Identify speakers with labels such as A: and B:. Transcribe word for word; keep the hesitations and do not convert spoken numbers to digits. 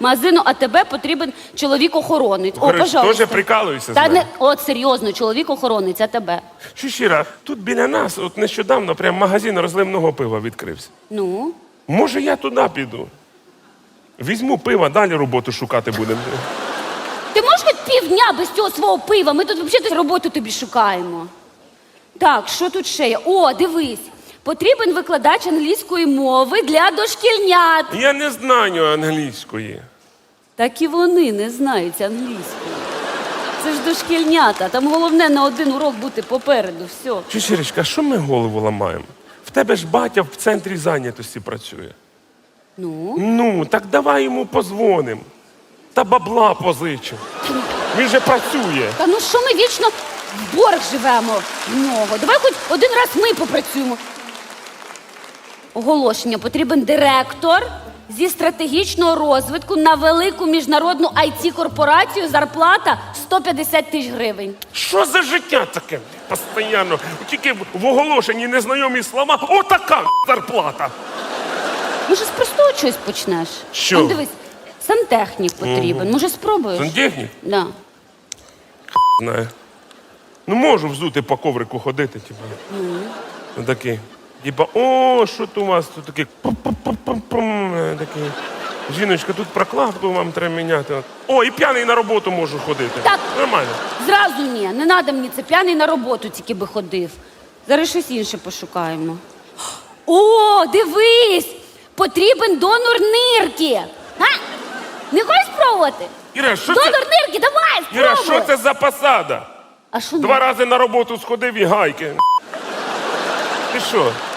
A: магазину АТБ потрібен чоловік-охоронець. О,
B: Говориш,
A: пожалуйста.
B: теж прикалуєшся з
A: Та
B: мене?
A: не, от серйозно, чоловік-охоронець АТБ.
B: Щира, тут біля нас, от нещодавно, прям магазин розливного пива відкрився.
A: Ну?
B: Може, я туди піду? Візьму пива, далі роботу шукати будемо.
A: Ти можеш хоч півдня без цього свого пива? Ми тут взагалі роботу тобі шукаємо. Так, що тут ще є? О, дивись. Потрібен викладач англійської мови для дошкільнят.
B: Я не знаю англійської.
A: Так і вони не знають англійської. Це ж дошкільнята. Там головне на один урок бути попереду. Все.
B: Чечеречка, що ми голову ламаємо? В тебе ж батя в центрі зайнятості працює.
A: Ну?
B: Ну, так давай йому позвонимо. Та бабла позичимо. Він же працює.
A: Та ну що ми вічно в борг живемо в нього? Давай хоч один раз ми попрацюємо. Оголошення. Потрібен директор зі стратегічного розвитку на велику міжнародну ай ті-корпорацію. Зарплата сто п'ятдесят тисяч гривень.
B: Що за життя таке? Постоянно. Тільки в оголошенні незнайомі слова. Отака зарплата.
A: Може, з простого чогось почнеш?
B: Що?
A: Он, дивись, сантехнік потрібен. Може, спробуєш?
B: Сантехнік?
A: Да.
B: Знаю. Ну, можу взути по коврику ходити, типу. Mm. Такий. Типа, о, що тут у вас тут такий. Пум-пум-пум-пум. Такий. Жіночка, тут прокладку вам треба міняти. О, і п'яний на роботу можу ходити.
A: Так.
B: Нормально.
A: Зразу ні, не треба мені це, п'яний на роботу тільки би ходив. Зараз щось інше пошукаємо. О, дивись! Потрібен донор нирки. А? Не хочеш спробувати?
B: Іра, що
A: Донор
B: це?
A: нирки, давай, спробуй!
B: Іра, що це за посада?
A: А що не?
B: Два рази на роботу сходив і гайки. Ти що?